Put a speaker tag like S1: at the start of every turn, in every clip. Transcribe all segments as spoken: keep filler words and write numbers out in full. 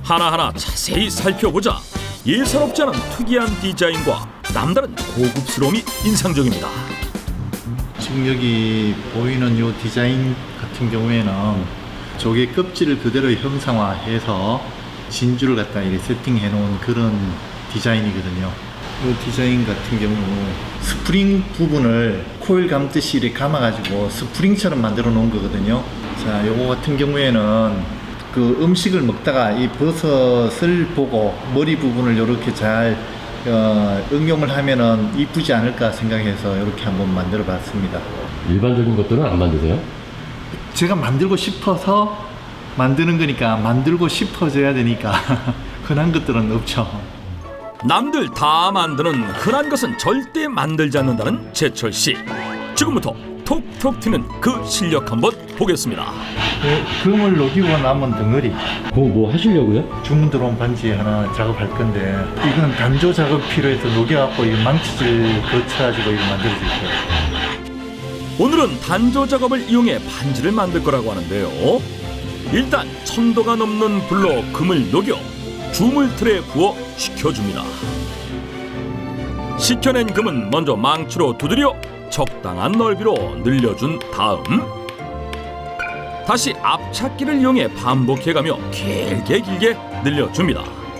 S1: 하나하나 자세히 살펴보자 예사롭지 않은 특이한 디자인과 남다른 고급스러움이 인상적입니다.
S2: 지금 여기 보이는 이 디자인 같은 경우에는 조개 껍질을 그대로 형상화해서 진주를 갖다 이렇게 세팅해 놓은 그런 디자인이거든요. 이 디자인 같은 경우 스프링 부분을 코일 감듯이 이렇게 감아가지고 스프링처럼 만들어 놓은 거거든요. 자, 요거 같은 경우에는 그 음식을 먹다가 이 버섯을 보고 머리 부분을 이렇게 잘 어, 응용을 하면은 이쁘지 않을까 생각해서 이렇게 한번 만들어 봤습니다.
S3: 일반적인 것들은 안 만드세요?
S2: 제가 만들고 싶어서 만드는 거니까 만들고 싶어져야 되니까 흔한 것들은 없죠.
S1: 남들 다 만드는 흔한 것은 절대 만들지 않는다는 제철 씨. 지금부터 톡톡 튀는 그 실력 한번 보겠습니다.
S2: 그 금을 녹이고 남은 덩어리
S3: 그거 뭐 하시려고요?
S2: 주문 들어온 반지 하나 작업할 건데 이건 단조 작업 필요해서 녹여갖고 이 망치질 거쳐가지고 이거 만들어질 거예요.
S1: 오늘은 단조 작업을 이용해 반지를 만들 거라고 하는데요. 일단 천도가 넘는 불로 금을 녹여 주물틀에 부어 식혀줍니다. 식혀낸 금은 먼저 망치로 두드려 적당한 넓이로 늘려준 다음 다시 앞찾기를 이용해 반복해가며 길게 길게 늘려줍니다.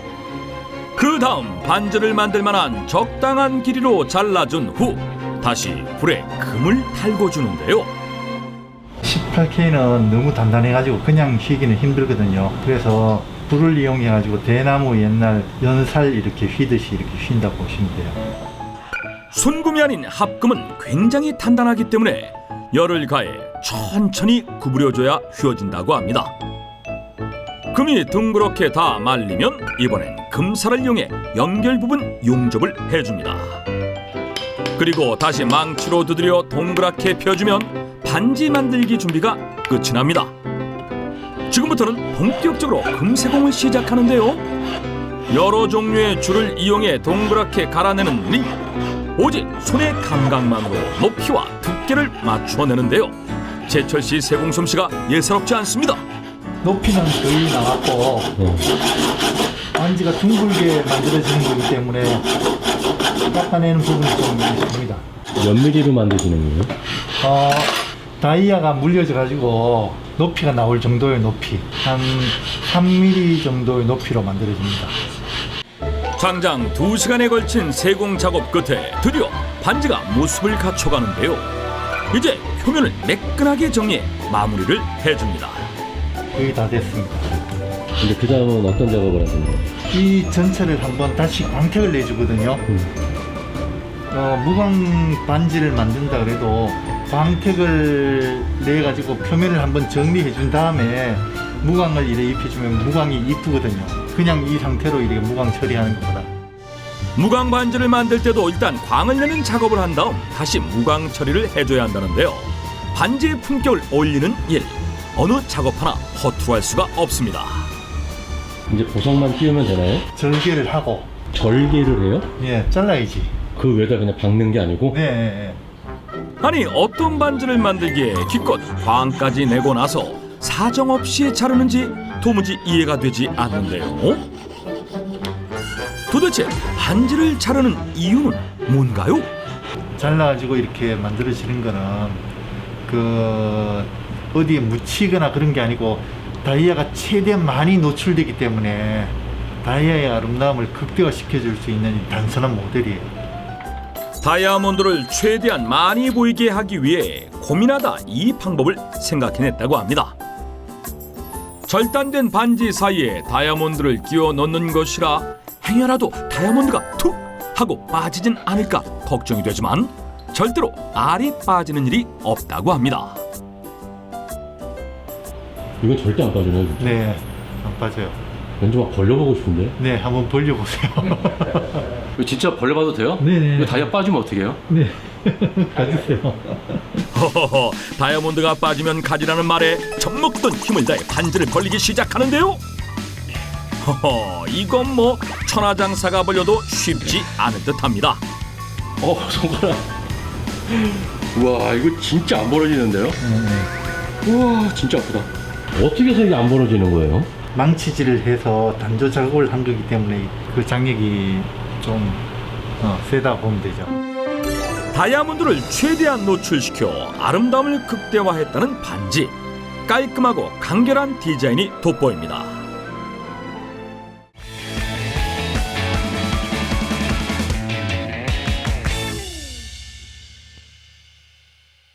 S1: 그 다음 반지를 만들 만한 적당한 길이로 잘라준 후 다시 불에 금을 달궈주는데요.
S2: 십팔 케이는 너무 단단해가지고 그냥 휘기는 힘들거든요. 그래서 불을 이용해가지고 대나무 옛날 연살 이렇게 휘듯이 이렇게 휜다고 보시면 돼요.
S1: 순금이 아닌 합금은 굉장히 단단하기 때문에 열을 가해 천천히 구부려줘야 휘어진다고 합니다. 금이 둥그렇게 다 말리면 이번엔 금살을 이용해 연결 부분 용접을 해줍니다. 그리고 다시 망치로 두드려 동그랗게 펴주면 반지 만들기 준비가 끝이 납니다. 지금부터는 본격적으로 금세공을 시작하는데요. 여러 종류의 줄을 이용해 동그랗게 갈아내는 리 오직 손의 감각만으로 높이와 두께를 맞춰내는데요. 제철 씨 세공 솜씨가 예사롭지 않습니다.
S2: 높이는 거의 나왔고
S3: 네.
S2: 반지가 둥글게 만들어지는 거기 때문에 깎아내는 부분이 좀 있습니다.
S3: 몇 미리로 만드시는 거예요?
S2: 어, 다이아가 물려져 가지고 높이가 나올 정도의 높이 한 삼 밀리미터 정도의 높이로 만들어집니다.
S1: 장장 두 시간에 걸친 세공 작업 끝에 드디어 반지가 모습을 갖춰가는데요. 이제 표면을 매끈하게 정리해 마무리를 해줍니다.
S2: 거의 다 됐습니다.
S3: 근데 그 다음은 어떤 작업을 하시나요?
S2: 이 전체를 한번 다시 광택을 내주거든요.
S3: 음.
S2: 어, 무광 반지를 만든다 그래도 광택을 내 가지고 표면을 한번 정리해 준 다음에 무광을 이렇게 입혀주면 무광이 이쁘거든요. 그냥 이 상태로 이렇게 무광 처리하는 것보다.
S1: 무광 반지를 만들 때도 일단 광을 내는 작업을 한 다음 다시 무광 처리를 해줘야 한다는데요. 반지의 품격을 올리는 일, 어느 작업 하나 허투루할 수가 없습니다.
S3: 이제 보석만 띄우면 되나요?
S2: 절개를 하고
S3: 절개를 해요?
S2: 예, 잘라야지.
S3: 그 위에다 그냥 박는 게 아니고?
S2: 네, 네.
S1: 아니 어떤 반지를 만들기에 기껏 광까지 내고 나서 사정없이 자르는지 도무지 이해가 되지 않는데요. 도대체 반지를 자르는 이유는 뭔가요?
S2: 잘라가지고 이렇게 만들어지는 거는 그 어디에 묻히거나 그런 게 아니고 다이아가 최대한 많이 노출되기 때문에 다이아의 아름다움을 극대화시켜줄 수 있는 단순한 모델이에요.
S1: 다이아몬드를 최대한 많이 보이게 하기 위해 고민하다 이 방법을 생각해냈다고 합니다. 절단된 반지 사이에 다이아몬드를 끼워 넣는 것이라 행여라도 다이아몬드가 툭 하고 빠지진 않을까 걱정이 되지만 절대로 알이 빠지는 일이 없다고 합니다.
S3: 이건 절대 안 빠지네요, 진짜.
S2: 네, 안 빠져요.
S3: 왠지 막 벌려보고 싶은데?
S2: 네, 한번 벌려보세요.
S4: 이거 진짜 벌려봐도 돼요?
S2: 네네.
S4: 이거 다이아 빠지면 어떻게 해요?
S2: 네, 가주세요.
S1: 허허허, 다이아몬드가 빠지면 가지라는 말에 젖먹던 힘을 다해 반지를 벌리기 시작하는데요. 허허, 이건 뭐 천하장사가 벌려도 쉽지 않을 듯합니다.
S4: 어, 손가락. 우와, 이거 진짜 안 벌어지는데요?
S2: 네,
S4: 우와, 진짜 아프다.
S3: 어떻게 해서 이게 안 벌어지는 거예요?
S2: 망치질을 해서 단조 작업을 한 거기 때문에 그 장력이 좀 어, 세다고 보면 되죠.
S1: 다이아몬드를 최대한 노출시켜 아름다움을 극대화했다는 반지. 깔끔하고 간결한 디자인이 돋보입니다.